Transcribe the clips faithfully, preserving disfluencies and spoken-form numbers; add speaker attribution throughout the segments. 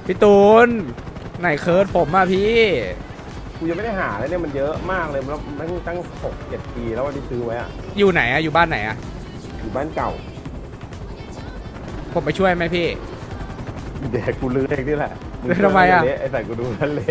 Speaker 1: พี่ตูนไหนเคิร์ดผมอ่ะพี่
Speaker 2: กูยังไม่ได้หาเลยเนี่ยมันเยอะมากเลยแล้วตั้งตั้งหกเจ็ดปีแล้ววันที่ซื้อไว้อะ
Speaker 1: อยู่ไหนอ่ะอยู่บ้านไหนอ่ะ
Speaker 2: อยู่บ้านเก่า
Speaker 1: ผมไปช่วยไหมพี่
Speaker 2: เด็กกูลือเองนี่แหละ
Speaker 1: ทำไมอะ
Speaker 2: เละไอ้ใส่กูดูนั่นเละ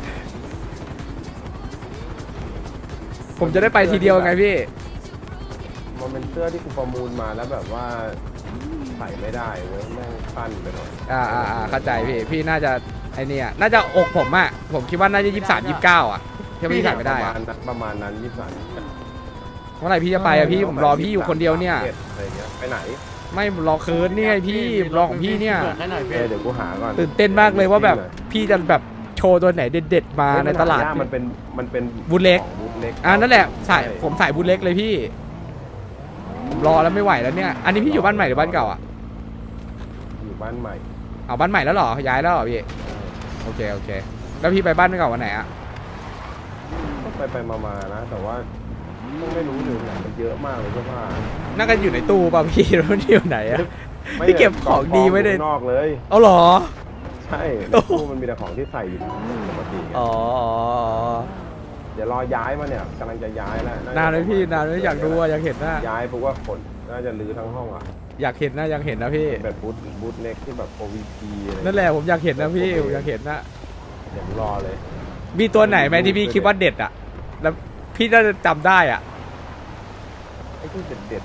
Speaker 1: ผมจะได้ไปทีเดียวไงพี่
Speaker 2: มันเป็นเสื้อที่กูประมูลมาแล้วแบบว่าใส่ไม่ได้เว้ยแม่งสั้นไปหน่อย
Speaker 1: อ่าอ่าอ่าเข้าใจพี่พี่น่าจะไอเนี่ยน่าจะอกผมอ่ะผมคิดว่าน่าจะยี่สิบสามยี่สิบเก้าอ่ะที่พี่ใส่ไม่ได้
Speaker 2: ประ
Speaker 1: อะ
Speaker 2: มาณนั้นประมาณนั้นยี่สิบสาม
Speaker 1: เมื่อไหร่พี่จะไปอ่ะพี่ผมรอพี่อยู่คนเดียวเนี่ย
Speaker 2: อะไรเงี้ยไปไหน
Speaker 1: ไม่ผมรอเคิร์ดนี่ไงพี่ผมรอของพี่เนี่ย
Speaker 2: เออเดี๋ยวกูหาก่อน
Speaker 1: ตื่นเต้นมากเลยว่าแบบพี่จะแบบโชว์ตัวไหนเด็ดๆมาในตลาด
Speaker 2: เฮ้ยมันหยกมันเป็นมันเป็น
Speaker 1: บูทเล็ก
Speaker 2: ของบูทเล็ก
Speaker 1: อ่านั่นแหละใส่ผมใส่บูทเล็กเลยพี่ผมรอแล้วไม่ไหวแล้วเนี่ยอันนี้พี่อยู่บ้านใหม่หรือบ้านเก่าอ่ะ
Speaker 2: อยู่บ้านใหม่
Speaker 1: เอาบ้านใหม่แล้วเหรอย้ายแล้วเหรอพี่โอเคโอเคแล้วพี่ไปบ้านเก่าวันไหนอ่ะ
Speaker 2: ก็ไปไปมาๆนะ แต่ว่าไม่รู้อยู่ไหนมันเยอะมากเลยเสื้อผ้า
Speaker 1: น่าจะอยู่ในตู้ป่ะพี่แล้วมันอยู่ไหนอ่ะ พี่เก็บของดีไว้ใน
Speaker 2: นอกเลย
Speaker 1: เอาเหรอ
Speaker 2: ใช่ตู้มันมีแต่ของที่ใส่อยู่ปกติไง
Speaker 1: อ๋อ
Speaker 2: เดี๋ยวรอย้ายมาเนี่ยกำลังจะย้ายแล้ว
Speaker 1: นานเลยพี่นานเลยอยากดูอะอยากเห็นนะ
Speaker 2: ย้ายเพราะว่าขนน่าจะรื้อทั้งห้องอ่ะ
Speaker 1: อยากเห็นนะอยากเห็นนะพี่
Speaker 2: เป็นแบบบูทบูทเล็กที่แบบโอวีพีอะไร
Speaker 1: นั่นแหละผมอยากเห็นนะพี่ผมอยากเห็นนะ
Speaker 2: เดี๋ยวรอเลย
Speaker 1: มีตัวไหนไหมที่พี่คิดว่าเด็ดอ่ะแล้วพี่น่าจะจำได้อ่ะ
Speaker 2: ไอ้ที่เด็ดเด็ด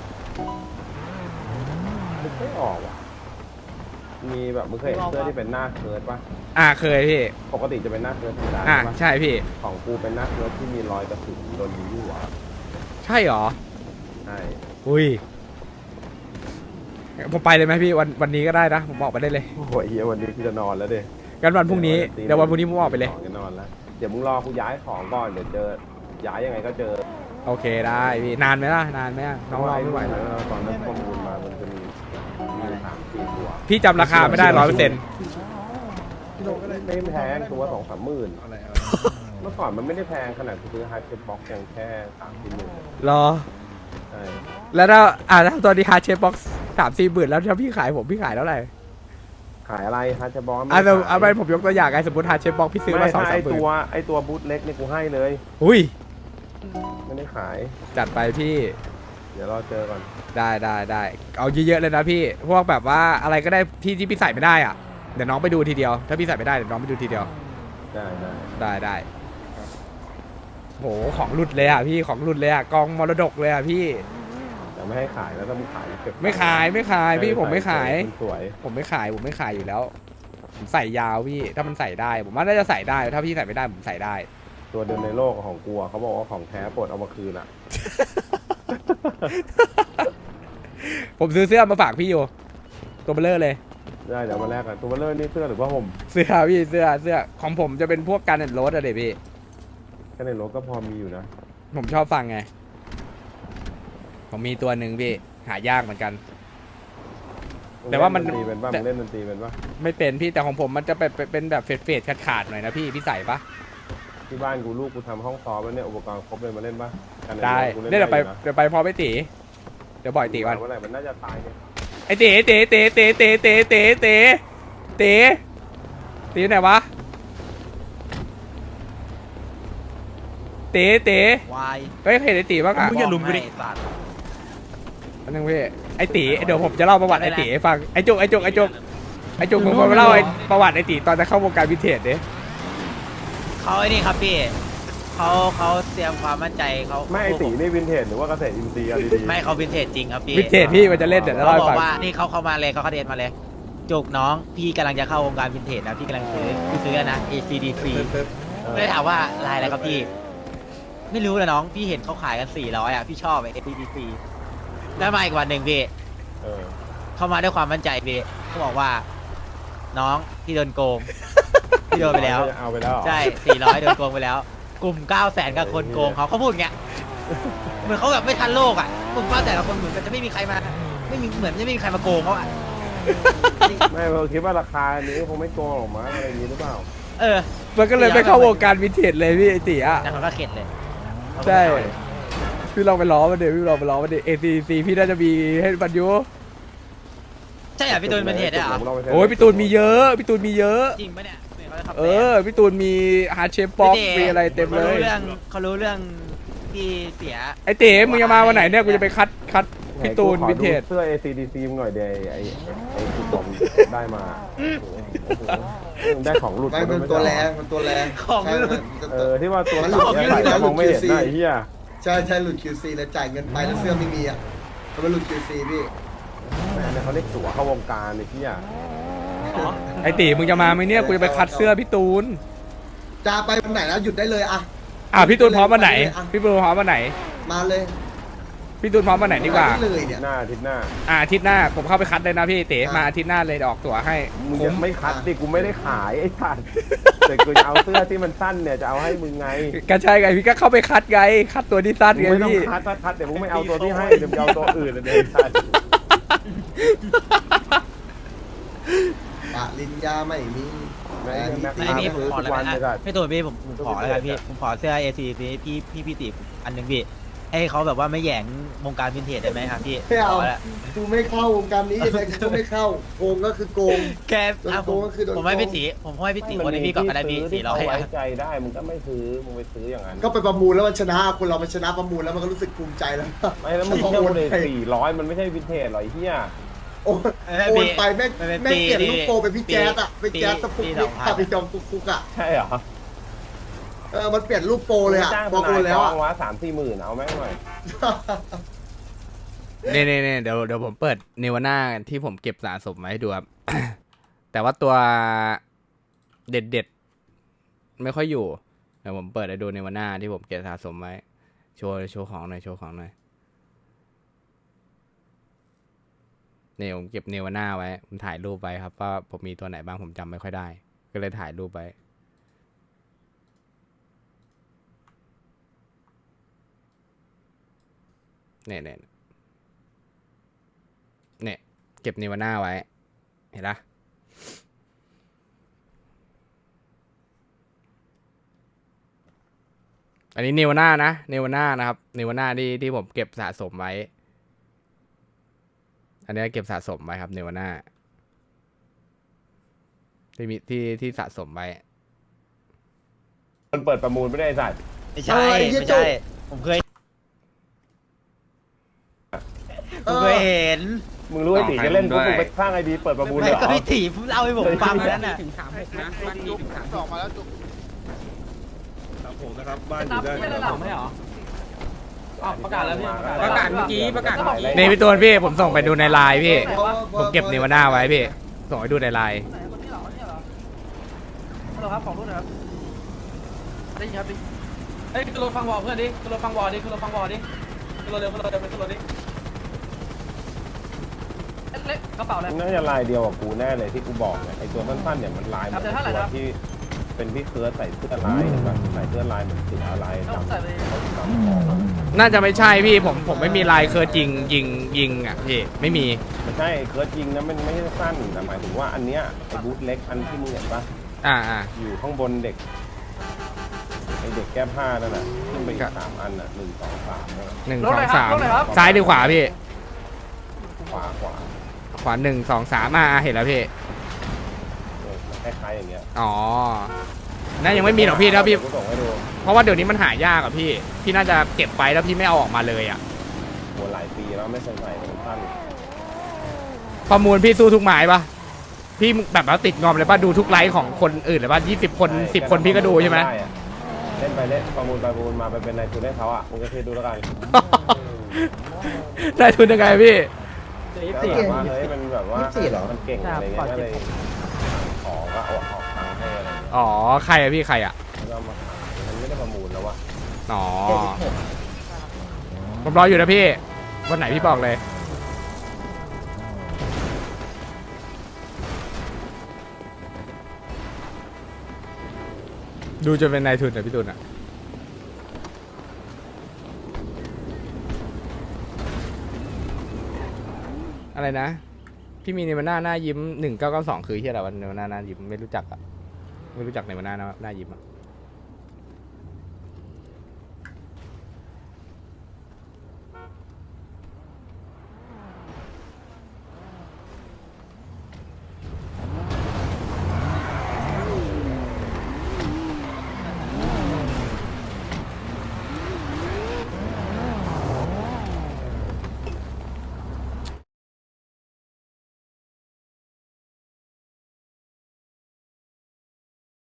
Speaker 2: ๆนึกไม่ออกอ่ะมีแบบมึงเคยเห็นเสื้อที่เป็นหน้าเคิร์ดปะ
Speaker 1: อ่าเคยพี่
Speaker 2: ปกติจะเป็นหน้าเคิร์ดธรรมดา
Speaker 1: อ่า
Speaker 2: ใช่ปะ
Speaker 1: ใช่พี่
Speaker 2: ของกูเป็นหน้าเคิร์ดที่มีรอยกระสุนโดนยิงหัว
Speaker 1: ใช่เหรอ
Speaker 2: ใช่
Speaker 1: อุ้ยผมไปเลยไหมพี่วันวันนี้ก็ได้นะผมออกไปได้เลย
Speaker 2: โอ้ยเฮียวันนี้กูจะนอนแล้วเด้
Speaker 1: กันวันพรุ่งนี้เดี๋ยววันพรุ่งนี้ผมออกไปเลย
Speaker 2: จะนอนแล้วเดี๋ยวมึงรอกูย้ายของก่อนเดี๋ยวเจอย้ายยังไงก็เจอ
Speaker 1: โอเคได้พี่นานไหมล่ะนานไหมอะน้องรอไม่ไหว
Speaker 2: แล้
Speaker 1: แล้ว
Speaker 2: วตอนนั้นข้อมูลมามันจะมีมีสามสี่ตัว
Speaker 1: พี่จำราคาไม่ได้ร้อยเปอร์เซ็นต์
Speaker 2: ไม่แพงตัวสองสามหมื่นเมื่อก่อนมันไม่ได้แพงขนาดซื้อไฮเซ็ตบ็อกซ์ยังแค่สามสี่หมื่น
Speaker 1: รอ
Speaker 2: ใช่
Speaker 1: แล้วถ้าอ่าถ้าตอนนี้ฮาร์ดเชฟบ็อกซ์สามสี่หมื่นแล้วถ้าพี่ขายผมพี่ขายเท่าไหร่
Speaker 2: ขายอะไรฮาร์เซ็ตบ็อกซ์
Speaker 1: อ่าเอาเอาไปผมยกตัวอย่างไงสมมติฮาร์ดเชฟบ็อกซ์พี่ซื้อ
Speaker 2: ไม่
Speaker 1: มาสอง
Speaker 2: ใช่
Speaker 1: สาม
Speaker 2: ไอ
Speaker 1: หมื่น
Speaker 2: ตัวไอตัวบูทเล็กนี่กูให้เลย
Speaker 1: อุ้ย
Speaker 2: ไม่ได้ขาย
Speaker 1: จัดไปพี่
Speaker 2: เดี๋ยวรอเจอก่อน
Speaker 1: ได้ได้ได้เอาเยอะๆเลยนะพี่พวกแบบว่าอะไรก็ได้ที่ที่พี่ใส่ไม่ได้อ่ะเดี๋ยวน้องไปดูทีเดียวถ้าพี่ใส่ไม่ได้เดี๋ยวน้องไปดูทีเดียว
Speaker 2: ได้ได้
Speaker 1: ได้ได้โหของหลุดเลยอ่ะพี่ของหลุดเลยอ่ะกองมรดกเลยอ่ะพี่
Speaker 2: แต่ไม่ให้ขายแล้วถ้ามึงขายเก็บ
Speaker 1: ไม่ขายไม่ขายพี่ผมไม่ขาย
Speaker 2: สวย
Speaker 1: ผมไม่ขายผมไม่ขายอยู่แล้วผมใส่ยาวพี่ถ้ามันใส่ได้ ผมว่าน่าจะใส่ได้ถ้าพี่ใส่ไม่ได้ผมใส่ได้
Speaker 2: ตัวเดิมในโลกของกูอะเขาบอกว่าของแท้ปลดเอามาคืนอ่ะ
Speaker 1: ผมซื้อเสื้อมาฝากพี่อยู่ตัวเบลเลอร์เลย
Speaker 2: ได้เดี๋ยวมาแลกกันตัวเบลเลอร์นี่เสื้อหรือว่าห่ม
Speaker 1: เสื้อพี่เสื้อเสื้อของผมจะเป็นพวกการเน็ตโรสอะเด็พี่
Speaker 2: แค่ในรถก็พอมีอยู่นะ
Speaker 1: ผมชอบฟังไง ผมมีตัวหนึ่งพี่หายากเหมือนกัน แต่ว่ามัน
Speaker 2: เล่ดนตรีเป็นป่ะมึงเล่นดนตรีเป็นป่ะ
Speaker 1: ไม่เป็นพี่แต่ของผมมันจะเป็นเป็นแบบเฟดเฟดขาดขาดๆหน่อยนะพี่พี่ใส่ปะ
Speaker 2: ที่บ้านกูลูกกูทำห้องซ้อมแล้วเนี่ยอุปกรณ์ครบเลยมาเล่นป่ะกันในรถ
Speaker 1: ได้
Speaker 2: กูล่น
Speaker 1: เดี๋ยวไป
Speaker 2: อยู่นะ
Speaker 1: เดี๋ยวไปพอไปตีเดี๋ยวบ่อยตีวัน
Speaker 2: เมื่อไหร่มันน่าจะตายเนี่ย
Speaker 1: ไอเต๋เต๋เต๋เต๋เต๋เต๋เต๋เต๋เต๋ตีไหนวะเต๋เต๋
Speaker 3: วาย
Speaker 1: เฮ้ยเห็นไอตีบ้างอ่ะ
Speaker 3: มึงอย่าลุมกูดิสัตว์
Speaker 1: อันนึงพี่ไอตีเดี๋ยวผมจะเล่าประวัติไอตีให้ฟังไอจุกไอจุกไอจุกไอจุกผมมาเล่าไอประวัติไอตีตอนจะเข้าวงการวิเทจดิ
Speaker 3: เขาไอ้นี่ครับพี่เขาเขาเตรียมความมั่นใจเขา
Speaker 2: ไม่ไอตีนี่วินเทจหรือว่าเกษตรอินทรีย์อะดีๆ
Speaker 3: ไม่เขาวินเทจจริงครับพี่
Speaker 1: วิเทจพี่มันจะเล่นเดี๋ยวจะ
Speaker 3: เขา
Speaker 1: เล่าให้
Speaker 3: บอ
Speaker 1: ฟัง
Speaker 3: กว่านี่เขาเข้ามาเลยเขาเขาเดนมาเลยจุกน้องพี่กำลังจะเข้าวงการวินเทจนะพี่กำลังซื้อพี่ซื้อนะ เอ ซี ดี ซี ไม่ได้ถามว่าลายอะไรครับพี่ ไม่รู้นะน้องพี่เห็นเขาขายกันสี่ร้อยอ่ะพี่ชอบไอ้ เอ ซี ดี ซี ได้มาอีกวันหนึ่งพี่
Speaker 2: เออ
Speaker 3: เข้ามาด้วยความมั่นใจพี่เขาบอกว่า น้องพี่โดนโกงพี่โดนไปแล้ว
Speaker 2: เอาไปแล้วเหรอ
Speaker 3: ใช่สี่ร้อยโดนโกงไปแล้ว กลุ่มเก้าแสนกับคนโกงเขาเขาพูดอย่างเงี้ย เหมือนเขาแบบไม่ทันโลกอ่ะ กลุ่มเก้าแสนกับคนเหมือนกันจะไม่มีใครมา ไม่มีเหมือนจะไม่มีใครมาโกงเขาอ่ะ
Speaker 2: ไม่เราคิดว่าราคานี้คงไม่โกงหรอกมั้งอะไรอย่างนี้หรือเปล่า
Speaker 3: เออ
Speaker 1: มันก็เลยไม่เข้าวงการวินเทจเลยพี่ไอตีอ่ะ
Speaker 3: แต่เขาก็เข็ดเลย
Speaker 1: ใช่ พี่ลองไปล้อมันเดี๋ยวพี่ลองไปล้อมันเดี๋ยว เอ ซี ซี พี่น่าจะมีให้บรรยุ
Speaker 3: ใจช่เหรอพี่ตูนเป็นเหตุได้เหรอ
Speaker 1: โอ้ยพี่ตูนมีเยอะพี่ตูนมีเยอะ
Speaker 3: จริงปะเนี่ยเขาจะขับ
Speaker 1: เออพี่ตูนมีฮาร์ดเชฟบ็อกมีอะไรเต็มเล
Speaker 3: เขารู้
Speaker 1: ย
Speaker 3: เรื่องเขารู้เรื่องที่เสีย
Speaker 1: ไอเต๋มึงจะมาวันไหนเนี่ยกูจะไปคัดคัดพี่ตูนวินเทจ
Speaker 2: เสื้อ เอ ซี ดี ซี มึงหน่อยเดย์ไอ้ไอ้ไอ้ที่ผมได้มามึงได้ของหลุด
Speaker 4: ไม่มันตัวแรงมันตัวแรง
Speaker 3: ของหลุด
Speaker 2: เออที่ว่าตัว
Speaker 4: มัน
Speaker 2: ห
Speaker 4: ห
Speaker 2: ลุ
Speaker 4: ลุ
Speaker 2: ด
Speaker 4: ด
Speaker 2: เนี่ยใส่แล้วมองไม่เห็นได้ไอ้เหี้ย
Speaker 4: ใช่ใช่หลุด คิว ซี แล้วจ่ายเงินไปแล้วเสื้อไม่มีอ่ะมันหลุด คิว ซี พี่
Speaker 2: แม่เนี่ยเขาเรียกตั๋วเข้าวงการไอ้เหี้ย
Speaker 1: ไอตีมึงจะมาไหมเนี่ยกูจะไปคัดเสื้อพี่ตูน
Speaker 4: จะไปวันไหนแล้วหยุดได้เลยอ่ะ
Speaker 1: อ่ะพี่ตูนพร้อมวันไหนพี่ตูนพร้อมวันไหน
Speaker 4: มาเลย
Speaker 1: พี่ตูนพร้อมวันไหนดีกว่า
Speaker 4: ได้เลยเนี่ย
Speaker 2: หน้าอาทิตย์หน้า
Speaker 1: อ่ะอาทิตย์หน้าผมเข้าไปคัดเลยนะพี่เต๋
Speaker 4: อ่ะ
Speaker 1: มาอาทิตย์หน้าเลยออกตั๋วให้
Speaker 2: มึง
Speaker 1: คุ้
Speaker 2: จะ
Speaker 1: ม
Speaker 2: ไม่คัดดิกูไม่ได้ขายไอ้สัตว์แต่กูจะเอาเสื้อที่มันสั้นเนี่ยจะเอาให้มึงไง
Speaker 1: ก็ใช่ไงพี่ก็เข้าไปคัดไงคัดตัวที่สั้น
Speaker 2: มึง
Speaker 1: ไง
Speaker 2: ไม่ต้อง
Speaker 1: พี่
Speaker 2: คัดถ้าคัดเดี๋ยวมึงไม่เอาตัวที่ให้เดี๋ยวมึงเอาตัวอื่นเลยไอ้สัตว์
Speaker 4: ปะลินยาไม่มี
Speaker 2: แม่งแม่ง
Speaker 3: ไอ้นี่ผมขอ
Speaker 2: ทุ
Speaker 3: แล้ว
Speaker 2: กวัน
Speaker 3: กั
Speaker 2: เลย
Speaker 3: น
Speaker 2: กั
Speaker 3: นะ
Speaker 2: น
Speaker 3: พี่ตูนพี่ผมผมขอแล้วกันพี่ผมขอเสื้อ เอ ซี ซีพี่พี่พี่ติอันหนึ่งพี่ให้เขาแบบว่าไม่แหย่งวงการวินเทจได้ไหมครับพี่
Speaker 4: ไม่เอา
Speaker 3: ขแล้ว
Speaker 4: กูไม่เข้าวงการนี้ยังไงกูไม่เข้าโกงก็คือโกง
Speaker 3: แกอ่ะผม
Speaker 4: โดนโกงก็คือโดน
Speaker 3: ผมให้พี่ตีผมให้พี่ตีคนนี้พี่ก่อนก็ได้พี่สี่ร้อย
Speaker 2: ที่
Speaker 3: อ่ะ
Speaker 2: เขาไว้ใจได้มึงก็ไม่ซื้อมึงไปซื้ออย่างนั้น
Speaker 4: ก็ไปประมูลแล้วมันชนะคนเรามันชนะประมูลแล้วมันก็รู้สึกภูมิใจแล้ว
Speaker 2: ไม่แล้วมึงเที่ยวเลยสี่ร้อยมันไม่ใช่วินเทจหรอไอ้เหี้ย
Speaker 4: โอนโอนไปแม่งแม่งเปลี่ยนลูกโปรเป็นพี่แจ๊สอ่ะเป็นแจ๊สสปุกนิกกับพี่จอมกุกกุกอ่ะ
Speaker 2: ใช่เหรอ
Speaker 4: เออมันเปลี่ยนรูปโปรเลยอ่ะ
Speaker 2: จ้าง
Speaker 4: บอก
Speaker 2: ท
Speaker 4: โอน
Speaker 2: าย
Speaker 4: แล้ว
Speaker 2: ฟ้อ
Speaker 4: อ่ะ
Speaker 2: งวะสามสี่หมื่นเอาแม่งหน่อย
Speaker 1: เน่เน่เน่เดี๋ยวเดี๋ยวผมเปิดเนวาน่าที่ผมเก็บสะสมมาให้ดูครับ แต่ว่าตัวเด็ดเด็ดๆไม่ค่อยอยู่เดี๋ยวผมเปิดให้ดูเนวาน่าที่ผมเก็บสะสมไว้โชว์โชว์ของหน่อยโชว์ของหน่อยเนี่ยผมเก็บเนวาน่าไว้ผมถ่ายรูปไว้ครับว่าผมมีตัวไหนบ้างผมจำไม่ค่อยได้ ก็เลยถ่ายรูปไว้เนี่ยเนี่ยเนี่ยเก็บเนวาน่าไว้ เห็นปะอันนี้เนวาน่านะเนวาน่านะครับเนวาน่าที่ที่ผมเก็บสะสมไว้ อันนี้เก็บสะสมไว้ครับเนวาน่าที่มีที่ที่สะสมไว้
Speaker 2: มันเปิดประมูลไม่ได้ไอ้สัตว์
Speaker 3: ไม่ใช่ไม่ใช่ผมเคยผมเคยเห็น
Speaker 2: มึงรู้ไอ้ตีจะเล่นปุ๊บมึงไปสร้างไอดีเปิดประมูลเลย
Speaker 3: ไม่
Speaker 2: เหร
Speaker 3: ก็
Speaker 2: อ
Speaker 3: พี่ตีเล่าให้ผมฟังนั้นน่ะ
Speaker 5: ถึงสามหกนะบ้านนี้ถึงสามสองมาแล้วจุก
Speaker 6: ครับผมนะครับบ้านอยู่ได้
Speaker 5: ไม่ได้หลับไม่เหรออ๋อประกาศแล้วพี่
Speaker 2: ประกาศ
Speaker 5: เมื่อกี้ประกาศเมื่อกี้
Speaker 1: นี่พี่ตูนพี่ผมส่งไปดูในไลน์พี่ ผมเก็บเนวาน่าไว้พี่ ส่งไปดูในไลน์
Speaker 5: ไหนคนนี้เหรอคนนี้เหรอฮัลโหลครับของรุ่นนะครับได้ยินครับดิเฮ้ยขึ้นรถฟังวอลเพื่อนดิขึ้นรถฟังวอลดิขึ้นรถฟังวอลดิขึ้นรถเร็วขึ้นรถเร็วขึ้นรถดิเล็กกระเป๋าอะไร
Speaker 2: น่าจะลายเดียวกับกูแน่เลยที่กูบอกเนี่ยไอตัวสั้นๆเนี่ยมันลายเหมือน
Speaker 5: ครับเดี๋ยวเท่าไหร่
Speaker 2: ตัว
Speaker 5: ครับ
Speaker 2: ที่เป็นพี่เคิร์สใส่เสื้อลายเห็นปะใส่เสื้อลายเหมือนเสือลาย
Speaker 5: ต้อง
Speaker 2: ดำ
Speaker 5: ใส่ไป
Speaker 2: ดำของอะ
Speaker 1: น่าจะไม่ใช่พี่ผมผมไม่มีลายเคอร์ยิงยิงยิงอ่ะพี่ไม่มี
Speaker 2: ไม่ใช่เคิร์สยิงนะมันไม่ใช่สั้นแต่หมายถึงว่าอันเนี้ยไอบูทเล็กอันที่มึงเห็นปะ
Speaker 1: อ่าอ่า
Speaker 2: อยู่ข้างบนเด็กไอเด็กแก้ผ้านั่นน่ะขึ้นไปอีกสามอันน่ะหนึ่งสองสามนั่นน่ะ
Speaker 1: หนึ่งสองสามซ้ายหรือขวาพี่
Speaker 2: ขวาขวา
Speaker 1: ขวาหนึ่งสองสามอ่าเห็นแล้วพี่
Speaker 2: เออคล้ายๆอย่างเงี้ย
Speaker 1: อ๋อน่ายังไม่มีหรอกพี่ถ้าพี่
Speaker 2: กูส่งให้ดู
Speaker 1: เพราะว่าเดี๋ยวนี้มันหายากอะพี่ พี่น่าจะเก็บไปแล้วพี่ไม่เอาออกมาเลยอะ
Speaker 2: โหหลายปีแล้วไม่เคยใส่เป็นสั้น
Speaker 1: ประมูลพี่สู้ทุกหมายปะพี่แบบว่าติดงอมเลยปะดูทุกไลฟ์ของคนอื่นเลยปะยี่สิบคนสิบคนพี่ก็ดูใช่ไหม
Speaker 2: ด้อะเล่นไปเล่นประมูลไปประมูลมาไปเป็นนายทุนให้เขาอ่ะมึงก็เทดูแล้วกัน
Speaker 1: ได้ทุนยังไงพี่
Speaker 2: ก็แบบว่าเฮ้ยมันแบบว่ามันเก่งอะไรเงี้ยก็เลยขอก็เอาออกตังค์ให้อะไรเงี้ย
Speaker 1: อ๋อใครอะพี่ใครอะ
Speaker 2: แล้วก็มาขายมันไม่ได้ประมูลแล้วอะ
Speaker 1: อ๋อผมรออยู่นะพี่วันไหนพี่บอกเลยดูจนเป็นนายทุนอะพี่ตุนอะอะไรนะพี่มีในมันหน้าหน้ายิ้มหนึ่งเก้าเก้าสองคือที่อะไรวันในมันหน้าหน้ายิ้มไม่รู้จักอะไม่รู้จักในมันหน้าหน้ายิ้มอะ